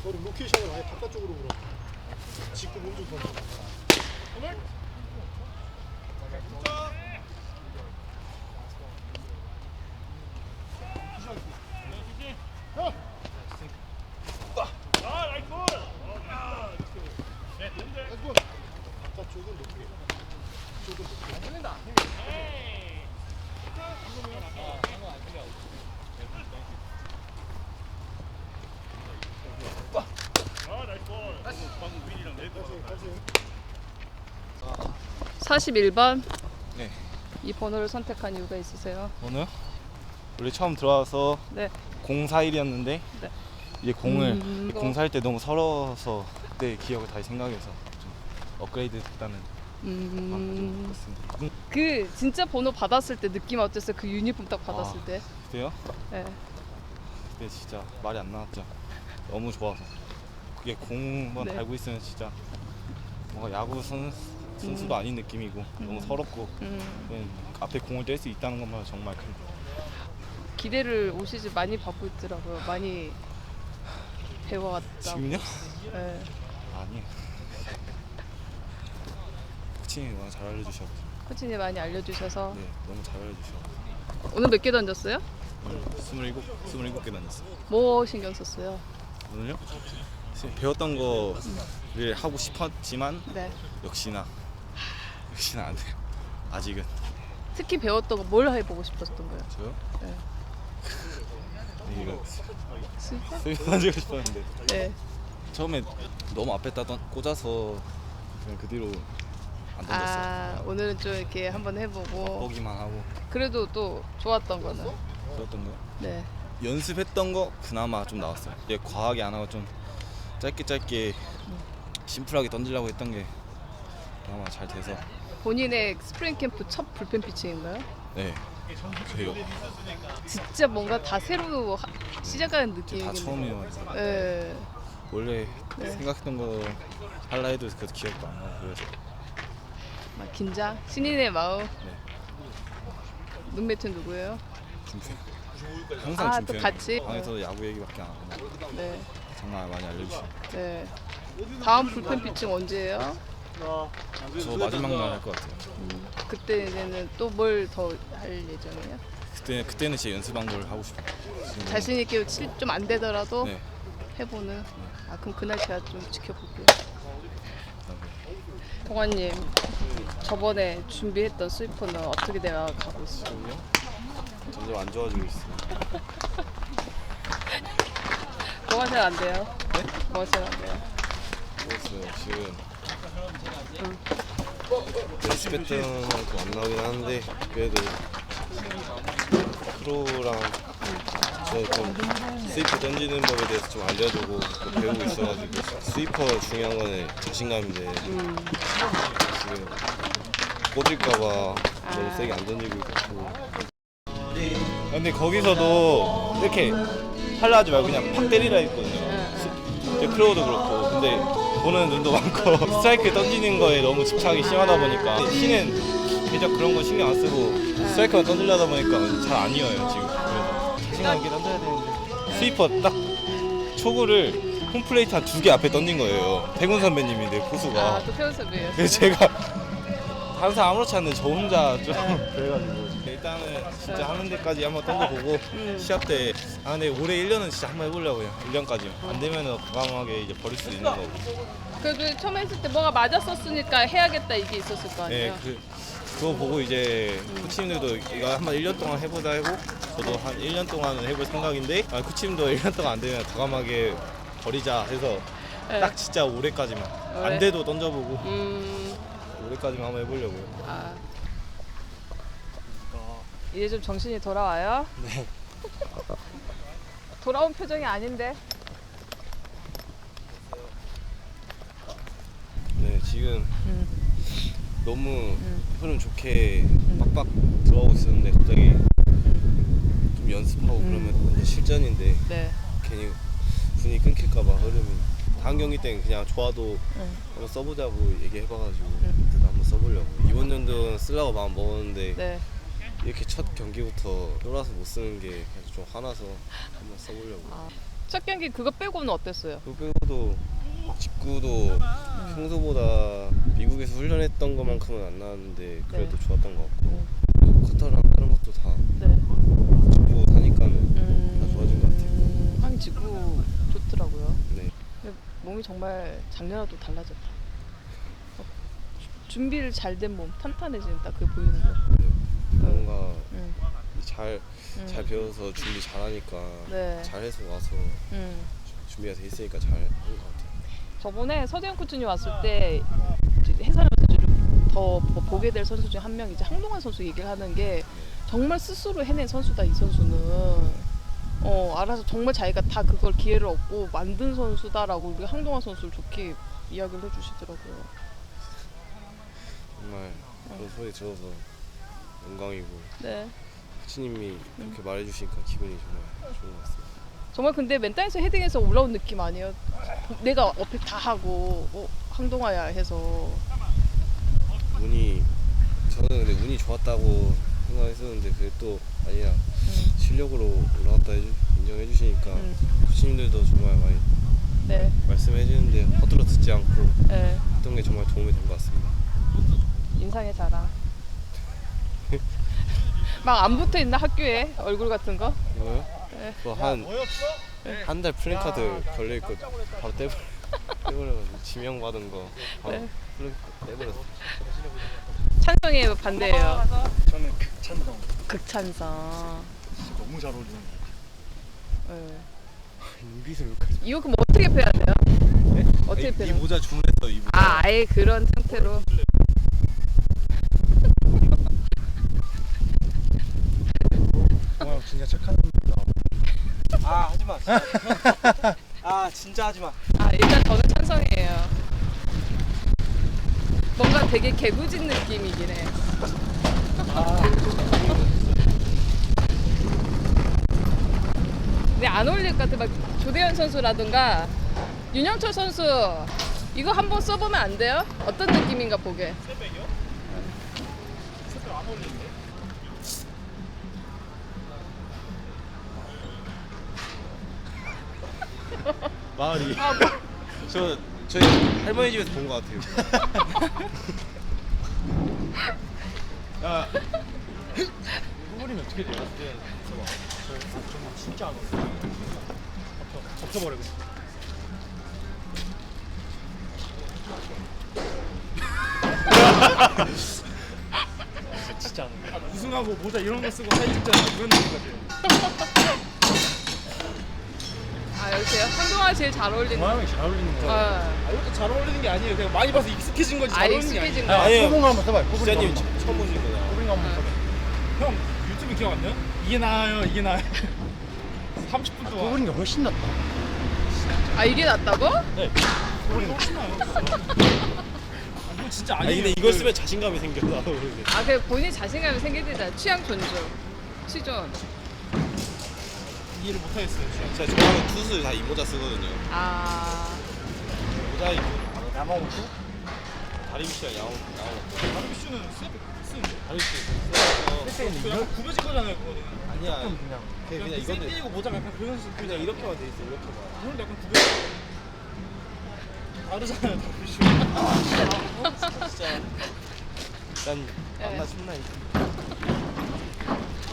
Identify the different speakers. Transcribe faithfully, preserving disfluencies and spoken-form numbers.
Speaker 1: 너는 로케이션을 아예 바깥쪽으로 불어. 직구 몸좀 던져. 바깥쪽은 높게. 쪽은 높게. 안 들린다.
Speaker 2: 사십일 번.
Speaker 3: 네.
Speaker 2: 이 번호를 선택한 이유가 있으세요?
Speaker 3: 오늘 원래 처음 들어와서
Speaker 2: 네.
Speaker 3: 공사일이었는데
Speaker 2: 네.
Speaker 3: 이제 공을
Speaker 2: 음,
Speaker 3: 공사할 때 너무 서러워서 그때 기억을 다시 생각해서 좀 업그레이드 됐다는 마음을 좀
Speaker 2: 음.
Speaker 3: 바꿨습니다. 음,
Speaker 2: 그 진짜 번호 받았을 때 느낌 어땠어요? 그 유니폼 딱 받았을
Speaker 3: 아.
Speaker 2: 때.
Speaker 3: 그때요?
Speaker 2: 네.
Speaker 3: 그때 진짜 말이 안 나왔죠. 너무 좋아서 그게 공만
Speaker 2: 네.
Speaker 3: 달고 있으면 진짜 뭔가 야구 선, 선수도
Speaker 2: 음.
Speaker 3: 아닌 느낌이고 너무
Speaker 2: 음.
Speaker 3: 서럽고
Speaker 2: 음.
Speaker 3: 그냥 앞에 공을 뗄 수 있다는 것만 정말 큰
Speaker 2: 기대를 올 시즌 많이 받고 있더라고요. 많이 배워왔다고.
Speaker 3: 지금요?
Speaker 2: 네.
Speaker 3: 아니에요. 코치님이 워낙 잘 알려주셔.
Speaker 2: 코치님 많이 알려주셔서.
Speaker 3: 네, 너무 잘 알려주셔.
Speaker 2: 오늘 몇 개 던졌어요?
Speaker 3: 오늘 스물일곱, 스물일곱 개 다녔어요.
Speaker 2: 뭐 신경 썼어요?
Speaker 3: 오늘요? 배웠던 거를 하고 싶었지만
Speaker 2: 네.
Speaker 3: 역시나 역시나 안 돼요. 아직은.
Speaker 2: 특히 배웠던 거 뭘 해보고 싶었던 거예요?
Speaker 3: 저요?
Speaker 2: 네.
Speaker 3: 이거
Speaker 2: 스위퍼?
Speaker 3: 스윙 던지고 싶었는데
Speaker 2: 네.
Speaker 3: 처음에 너무 앞에다 던, 꽂아서 그냥 그 뒤로 안 던졌어요.
Speaker 2: 아, 오늘은 좀 이렇게 한번 해보고.
Speaker 3: 보기만 하고.
Speaker 2: 그래도 또 좋았던 거는.
Speaker 3: 그랬던 거요?
Speaker 2: 네.
Speaker 3: 연습했던 거 그나마 좀 나왔어요. 이제 과하게 안 하고 좀 짧게 짧게 심플하게 던지려고 했던 게 그나마 잘 돼서.
Speaker 2: 본인의 스프링 캠프 첫 불펜 피칭인가요?
Speaker 3: 네. 그래요.
Speaker 2: 진짜 뭔가 다 새로 하, 시작하는
Speaker 3: 다
Speaker 2: 느낌이네요.
Speaker 3: 처음이에요.
Speaker 2: 네.
Speaker 3: 원래
Speaker 2: 네.
Speaker 3: 생각했던 거 할라 해도 그 기억도 안 나고 그래서.
Speaker 2: 막 긴장, 신인의 마음.
Speaker 3: 네.
Speaker 2: 룸메이트는 누구예요?
Speaker 3: 준표. 항상
Speaker 2: 아,
Speaker 3: 준표.
Speaker 2: 또 같이?
Speaker 3: 방에서 야구 얘기밖에 안 하고
Speaker 2: 네.
Speaker 3: 정말 많이 알려주시고.
Speaker 2: 네. 다음 불펜 피칭 언제예요?
Speaker 3: 저 마지막 날 할 것 같아요.
Speaker 2: 음, 그때는 또 뭘 더 할 예정이에요?
Speaker 3: 그때 그때는 제 연습한 걸 하고 싶어요. 지금
Speaker 2: 자신 있게 좀 안 되더라도
Speaker 3: 네.
Speaker 2: 해보는. 아, 그럼 그날 제가 좀 지켜볼게요.
Speaker 3: 그다음에
Speaker 2: 동환님, 저번에 준비했던 스위퍼는 어떻게 되어가고 있어요?
Speaker 3: 점점 안 좋아지고 있어요.
Speaker 2: 뭐가 잘 안 돼요?
Speaker 3: 네?
Speaker 2: 뭐가 잘 안 돼요?
Speaker 3: 모르겠어요. 지금
Speaker 2: 응.
Speaker 4: 연습했던 것도 안 나오긴 하는데 그래도 프로랑 저좀 스위퍼 던지는 법에 대해서 좀 알려주고 또 배우고 있어가지고 스위퍼 중요한 거는 자신감인데
Speaker 2: 음.
Speaker 4: 지금 꽂을까봐
Speaker 2: 아.
Speaker 4: 너무 세게 안 던지고 있고
Speaker 3: 근데 거기서도 이렇게 할라 하지 말고 그냥 팍 때리라 했거든요.
Speaker 2: 응.
Speaker 3: 이제 크로우도 그렇고. 근데 보는 눈도 많고 스트라이크 던지는 거에 너무 집착이 심하다 보니까 신은 대적 그런 거 신경 안 쓰고 스트라이크만 던지려다 보니까 잘 안 이어요 지금. 그래서 자신감 있게 던져야 되는데 스위퍼 딱 초구를 홈플레이트 한 두 개 앞에 던진 거예요. 태군 선배님인데 포수가.
Speaker 2: 아, 또 태훈 선배예요.
Speaker 3: 그래서 제가 항상 아무렇지 않는데 저 혼자 좀 그래가지고 일단은 진짜 하는 데까지 한번 던져보고
Speaker 2: 음.
Speaker 3: 시합 때 아 근데 올해 일 년은 진짜 한번 해보려고요. 일 년까지 안 되면은 과감하게 이제 버릴 수도 있는 거고.
Speaker 2: 그래도 처음에 했을 때 뭐가 맞았었으니까 해야겠다 이게 있었을 거
Speaker 3: 네,
Speaker 2: 아니에요?
Speaker 3: 그 그거 보고 이제 코치님들도 이거 한번 일 년 동안 해보자 하고 저도 한 일 년 동안은 해볼 생각인데 아, 코치님도 일 년 동안 안 되면 과감하게 버리자 해서
Speaker 2: 네.
Speaker 3: 딱 진짜 올해까지만
Speaker 2: 올해?
Speaker 3: 안 돼도 던져보고
Speaker 2: 음,
Speaker 3: 올해까지만 한번 해보려고요.
Speaker 2: 아. 이제 좀 정신이 돌아와요?
Speaker 3: 네.
Speaker 2: 돌아온 표정이 아닌데.
Speaker 4: 네 지금
Speaker 2: 음.
Speaker 4: 너무
Speaker 2: 음.
Speaker 4: 흐름 좋게 빡빡 들어가고 있었는데 갑자기 좀 연습하고
Speaker 2: 음.
Speaker 4: 그러면 이제 실전인데
Speaker 2: 네.
Speaker 4: 괜히 분위기 끊길까봐 흐름이 다음 경기 때는 그냥 좋아도
Speaker 2: 음.
Speaker 4: 한번 써보자고 얘기해봐가지고
Speaker 2: 음.
Speaker 4: 그때도 한번 써보려고 이번 연도는 쓰려고 마음 먹었는데
Speaker 2: 네.
Speaker 4: 이렇게 첫 경기부터 쫄아서 못 쓰는 게 그래서 좀 화나서 한번 써보려고.
Speaker 2: 아, 첫 경기 그거 빼고는 어땠어요?
Speaker 4: 그 빼고도 직구도 평소보다 미국에서 훈련했던 것만큼은 안 나왔는데 그래도
Speaker 2: 네.
Speaker 4: 좋았던 것 같고
Speaker 2: 음.
Speaker 4: 그리고 커터랑 다른 것도 다
Speaker 2: 네.
Speaker 4: 직구 하니까는
Speaker 2: 음,
Speaker 4: 다 좋아진 것 같아요.
Speaker 2: 음, 하긴 직구 좋더라고요.
Speaker 4: 네.
Speaker 2: 근데 몸이 정말 작년하고 또 달라졌다. 어, 준비를 잘 된 몸, 탄탄해지는 딱 그게 보이는 거.
Speaker 4: 네. 뭔가
Speaker 2: 음,
Speaker 4: 잘,
Speaker 2: 음.
Speaker 4: 잘 배워서 준비 잘하니까
Speaker 2: 네.
Speaker 4: 잘해서 와서
Speaker 2: 음.
Speaker 4: 준비가 돼 있으니까 잘 한 것 같아요.
Speaker 2: 저번에 서대현 코치님 왔을 때 이제 해설하면서 더 보게 될 선수 중 한 명 이제 항동환 선수 얘기를 하는 게 정말 스스로 해낸 선수다 이 선수는. 어 알아서 정말 자기가 다 그걸 기회를 얻고 만든 선수다라고 우리 항동환 선수를 좋게 이야기를 해주시더라고요.
Speaker 4: 정말 그런 소리 들어서 영광이고
Speaker 2: 네.
Speaker 4: 코치님이 그렇게 말해주시니까 기분이 정말 좋은 것 같습니다.
Speaker 2: 정말 근데 맨땅에서 헤딩해서 올라온 느낌 아니에요? 내가 어필 다 하고 어, 항동화야 해서.
Speaker 4: 운이 저는 근데 운이 좋았다고 생각했었는데 그게 또 아니라
Speaker 2: 음.
Speaker 4: 실력으로 올라왔다 해주, 인정해 주시니까
Speaker 2: 음.
Speaker 4: 코치님들도 정말 많이
Speaker 2: 네.
Speaker 4: 말씀해 주는데 허들어 듣지 않고
Speaker 2: 네.
Speaker 4: 했던 게 정말 도움이 된 것 같습니다.
Speaker 2: 인상의 자랑. 막 안 붙어 있나 학교에 얼굴 같은 거?
Speaker 4: 이거요?
Speaker 2: 네.
Speaker 4: 그거 한 한 달
Speaker 1: 뭐였어?
Speaker 4: 플랜카드 걸려 있고 바로 떼버 떼버려가지고 지명 받은 거 바로
Speaker 2: 네.
Speaker 4: 플랜카드 떼버렸어.
Speaker 2: 찬성이에요, 반대예요?
Speaker 1: 저는 극찬성.
Speaker 2: 극찬성.
Speaker 1: 진짜 너무 잘 어울리는 거.
Speaker 2: 네.
Speaker 3: 여기서 여기까지.
Speaker 2: 이거 그럼 어떻게 패야 돼요?
Speaker 3: 네?
Speaker 2: 어떻게
Speaker 3: 이
Speaker 2: 패는?
Speaker 3: 모자 주문했어 이 모자.
Speaker 2: 아, 아예 그런 상태로.
Speaker 1: 와 진짜 착한 놈이다.
Speaker 5: 아 하지마 아 진짜 하지마
Speaker 2: 아, 일단 저는 찬성이에요. 뭔가 되게 개구진 느낌이긴 해. 근데 안 어울릴 것 같아. 막 조대현 선수라든가 윤영철 선수 이거 한번 써보면 안 돼요? 어떤 느낌인가 보게.
Speaker 1: 새벽이요? 새벽 안 어울리는데?
Speaker 3: 마을이.
Speaker 2: 아, 뭐.
Speaker 4: 저 저희 할머니 집에서 본 것 같아요.
Speaker 3: 야. 후보리면 어떻게 돼요?
Speaker 1: 정말 진짜 안 어울려. 덮여, 덮여버리고. 진짜 안 어울려. 우승하고 모자 이런 거 쓰고 사진 찍잖아. 그런 느낌 같아요.
Speaker 2: 아, 여기세요? 한동안 제일 잘 어울리는.
Speaker 1: 모양이 잘 어울리는 거 같아요.
Speaker 2: 아,
Speaker 1: 아, 이것도 잘 어울리는 게 아니에요. 그냥 많이 봐서 익숙해진 거지. 잘
Speaker 2: 아,
Speaker 1: 어울리는 게
Speaker 2: 익숙해진
Speaker 1: 아니에요.
Speaker 2: 거.
Speaker 3: 아니에요.
Speaker 1: 소봉 한번 써봐요.
Speaker 4: 기자님 처음 보신 거다.
Speaker 1: 꼬부링 한번 써봐요. 형 유튜브 기억 안 나요? 이게 나아요. 이게 나아요. 삼십 분 동안. 꼬부링 게 훨씬 낫다.
Speaker 2: 아, 이게 낫다고?
Speaker 1: 꼬부링 훨씬 나아요. 아, 이거 진짜
Speaker 3: 아니
Speaker 1: 아니에요.
Speaker 3: 근데 이걸 쓰면 자신감이 생겨 나도 모르게.
Speaker 2: 아, 그 본인 자신감이 생기잖아. 취향 존중. 취존.
Speaker 1: 이해를 못 하겠어요. 진짜.
Speaker 4: 제가 좋아하는 투수 다 이 모자 쓰거든요.
Speaker 2: 아,
Speaker 3: 모자 입고
Speaker 1: 야마모토?
Speaker 3: 다리미씨랑 야옹 야옹.
Speaker 1: 다르비슈는 쓰는데.
Speaker 3: 다리미씨.
Speaker 1: 그 약간 구겨진 거잖아요, 그거는.
Speaker 3: 아니야.
Speaker 1: 그냥
Speaker 3: 그냥
Speaker 1: 그냥
Speaker 3: 그냥 이거는
Speaker 1: 샌디고 모자가 약간 그런 식
Speaker 3: 그냥 이렇게만 돼 있어 이렇게만.
Speaker 1: 이건 약간 구겨져. 다르잖아요, 다르비슈.
Speaker 3: 진짜. 난
Speaker 2: 네.
Speaker 3: 만나 신나 이제.